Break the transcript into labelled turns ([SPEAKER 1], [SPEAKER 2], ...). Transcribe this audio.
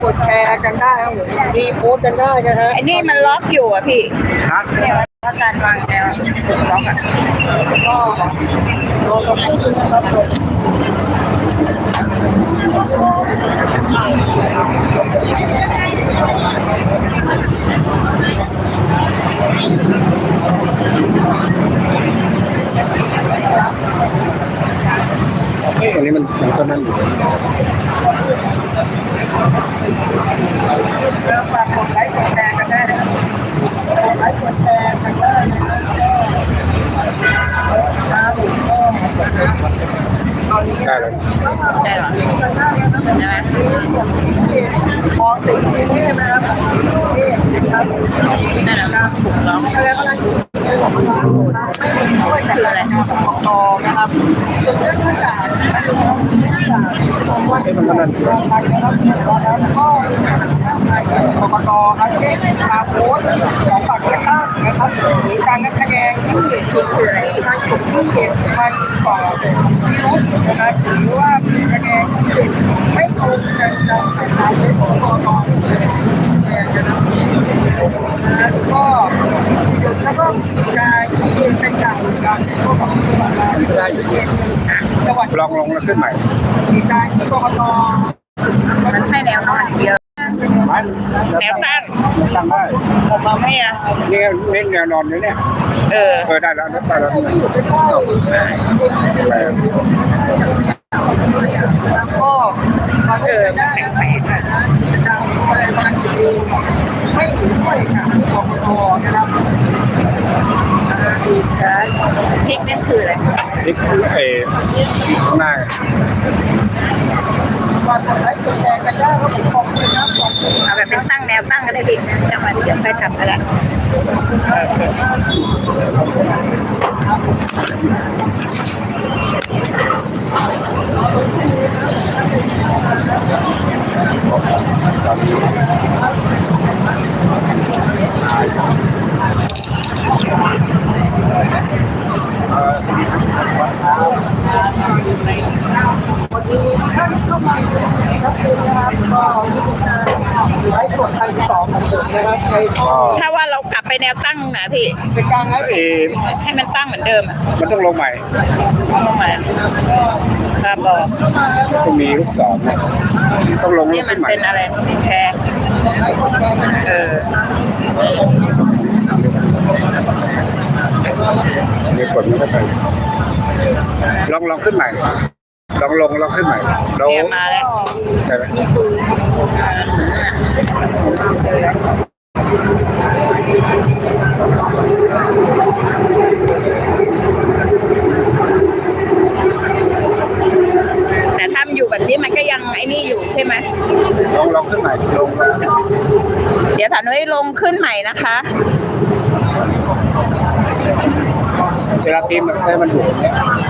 [SPEAKER 1] กดแชร์กันได้ครับผมรีโพสต์กันได้นะฮะ
[SPEAKER 2] ไอ้นี่มันล็อกอยู่อ่ะพี่
[SPEAKER 1] ครับ
[SPEAKER 2] เนี่ยว่าการวางแนวถูกล็อกอ่ะ
[SPEAKER 1] ก็รอสักครู่นึงนะครับผม
[SPEAKER 3] ตรงนี้มันก็นั่นอยู่
[SPEAKER 1] แล้วฝากกดไลค์กดแชร์กันได้นะครับกดไลค์กดแชร์กันได้นะครับผมก็ตอนนี้
[SPEAKER 3] ได้แล้ว
[SPEAKER 2] ได้หรอใช่ไหม
[SPEAKER 1] มองสิ่งที่นี่นะครับนี่ครับ
[SPEAKER 2] นั่นแหละถูกล็อก
[SPEAKER 1] แล้วก็คืออะไรต่อนะครับจุดเริ่มต้นจากว่า
[SPEAKER 3] มันก็นั่นอยู่
[SPEAKER 1] แล้วก็กกตครับเช่นการโพสต์ของบัตรเลือกตั้งนะครับหรือการนับคะแนนที่มีการถูกที่เก็บมันก่อพิรุธนะครับหรือว่ามีคะแนนที่ไม่ตรงกันตามสายของกกตก็แล้วก็การที่เป็นการการพวกของจังหวัดได้อยู่จังหวัด
[SPEAKER 3] ลองลงแล้วขึ้นใหม่
[SPEAKER 1] มีการที่กกต
[SPEAKER 2] มันให้แนวนอนอย่างเดียวแนวตั้ง
[SPEAKER 3] ตั้งได้
[SPEAKER 2] มองไม่อ่ะ
[SPEAKER 3] นี่นี่แนวนอนอยู่เนี่ย
[SPEAKER 2] เออ
[SPEAKER 3] ได้แล้วได้แล้ว
[SPEAKER 1] แล้วก็มาเจอได้แข่งขันไม่ถึงด้วยค่ะกกตนะครับ
[SPEAKER 2] พริกนั่นคืออะไร
[SPEAKER 3] นี่ข้างหน้า
[SPEAKER 1] ฝากกดไลค์กดแชร์กันได้ครับผมขอบคุณครับขอบคุณ
[SPEAKER 2] เอาแบบเป็นตั้งแนวตั้งก็ได้พี่จังหวะเดี๋ยวไปทำกันละ
[SPEAKER 1] วันนี้ท่านเข้ามาในครับนะครับก็ไลฟ์สดทางที่สองของผมนะครับใน
[SPEAKER 2] ถ้าว่าเรากลับไปแนวตั้งนะพี่
[SPEAKER 1] เป็นการไลฟ์
[SPEAKER 2] ให้มันตั้งเหมือนเดิมอ่ะ
[SPEAKER 3] มันต้องลงใหม่
[SPEAKER 2] ลงมาครับบอก
[SPEAKER 3] ต้องมีลูกศรเนี่ยต้องลง
[SPEAKER 2] นี่
[SPEAKER 3] แล้ว
[SPEAKER 2] มั
[SPEAKER 3] ขึ้
[SPEAKER 2] น
[SPEAKER 3] นใหม่
[SPEAKER 2] เป็นอะไรแชร์เออ
[SPEAKER 3] เดี๋ยวกดมันก็ไปลองขึ้นใหม่ลองลงแล้วขึ้นใหม่เรา
[SPEAKER 2] เนี่ยมาแล้ว
[SPEAKER 3] ใช่ไหม
[SPEAKER 2] แต่ถ้ามันอยู่แบบนี้มันก็ยังไอ้นี่อยู่ใช่ไหม
[SPEAKER 3] ลองขึ้นใหม่ลงแล้ว
[SPEAKER 2] เดี๋ยวสาวนุ้ยลงขึ้นใหม่นะคะ
[SPEAKER 3] เวลาพิมพ์ให้มันอยู่อย่างเนี้ย